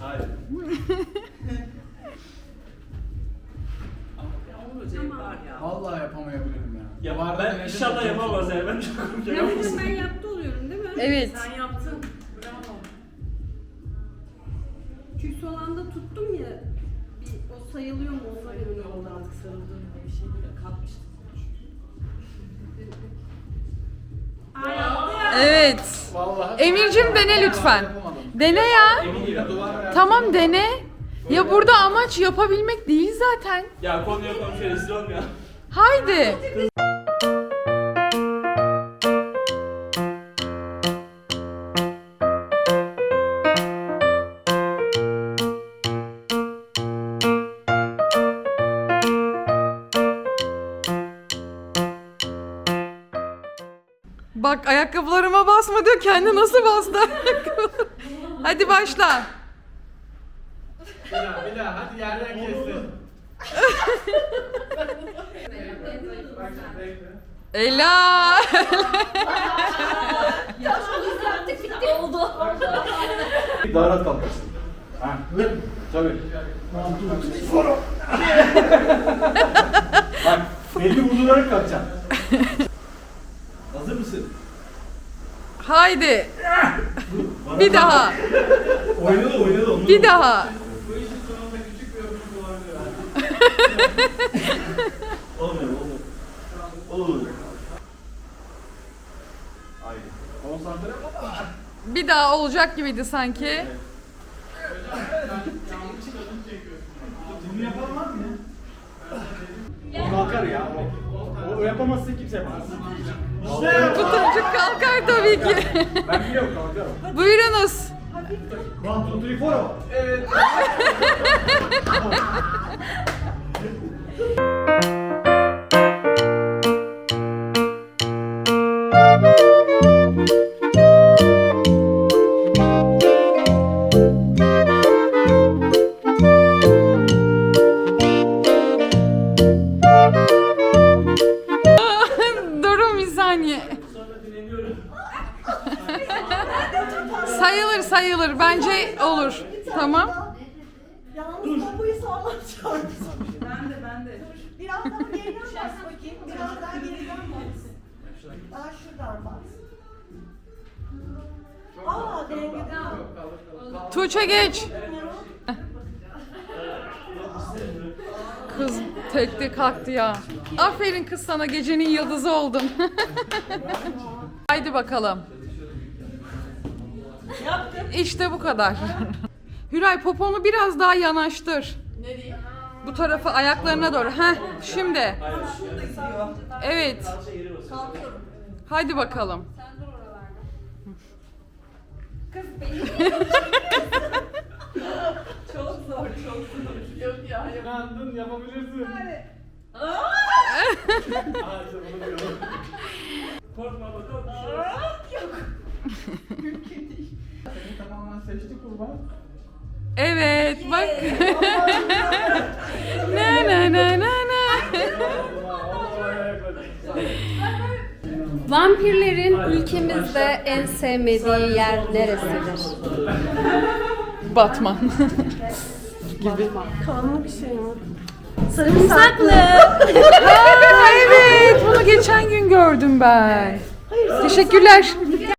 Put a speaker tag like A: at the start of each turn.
A: Hayır.
B: Vallahi yapamayabilirim ya.
A: Ya ben inşallah yapamaz yani. Ben çok korkuyorum.
C: Ben yaptı oluyorum değil mi?
D: Evet.
C: Sen yaptın. Bravo. Çünkü son anda tuttum ya. O sayılıyor mu? O sayılıyor.
E: Oldu artık sarıldığım bir şey böyle kalkmıştım.
D: Evet.
B: Vallahi.
D: Emircim dene lütfen. Dene ya. Tamam dene. Ya burada amaç yapabilmek değil zaten.
A: Ya konuya konuşuyor. Rezil olmuyor.
D: Haydi. Bak ayakkabılarıma basma diyor. Kendi nasıl bastı? Hadi başla.
B: Bir daha hadi yerden kestin. Bak bekle.
D: Ela.
A: Daha rahat kalkarsın. Ha. Tabii. Bak belli vurdurarak kalkacaksın. Hazır mısın?
D: Haydi. Bir daha.
A: Oynadı.
D: Bir daha.
B: Bu işin sonunda küçük bir yorumluk olabilir.
A: Olmuyor. Olur. Haydi. Konsantre ol.
D: Bir daha olacak gibiydi sanki.
A: Bunu yapan var mı ya? O kalkar ya. O yapamazsa kimse yapamaz.
D: Bu çocuk kalkar tabii ki.
A: Ben biliyorum kalkarım.
D: Buyurunuz.
A: 1, 2, 3, 4. Evet.
D: Durun bir saniye. Sayılır. Bence olur. Tamam.
E: Yalnız bombayı sağlam çarptım.
C: Ben de.
E: Biraz daha geriden bas bakayım. Biraz daha geriden bas. Daha şuradan bas. Aa dengeden.
D: Tuğçe geç. Kız tekte kalktı ya. Aferin kız sana, gecenin yıldızı oldun. Haydi bakalım. İşte bu kadar. Hüray poponu biraz daha yanaştır.
E: Nereye?
D: Bu tarafa ayaklarına doğru. Heh, şimdi. Evet.
E: Kalkıyorum.
D: Haydi bakalım.
E: Çok zor. Yok ya.
B: İnandın yapabilirsin.
A: Korkma bakalım.
B: Seni tamamen seçti kurban.
D: Evet bak. Na.
C: Vampirlerin ülkemizde en sevmediği yer neresidir?
D: Batman.
C: Kanlı bir şey mi? Sarımsaklı.
D: Evet, bunu geçen gün gördüm ben. Teşekkürler.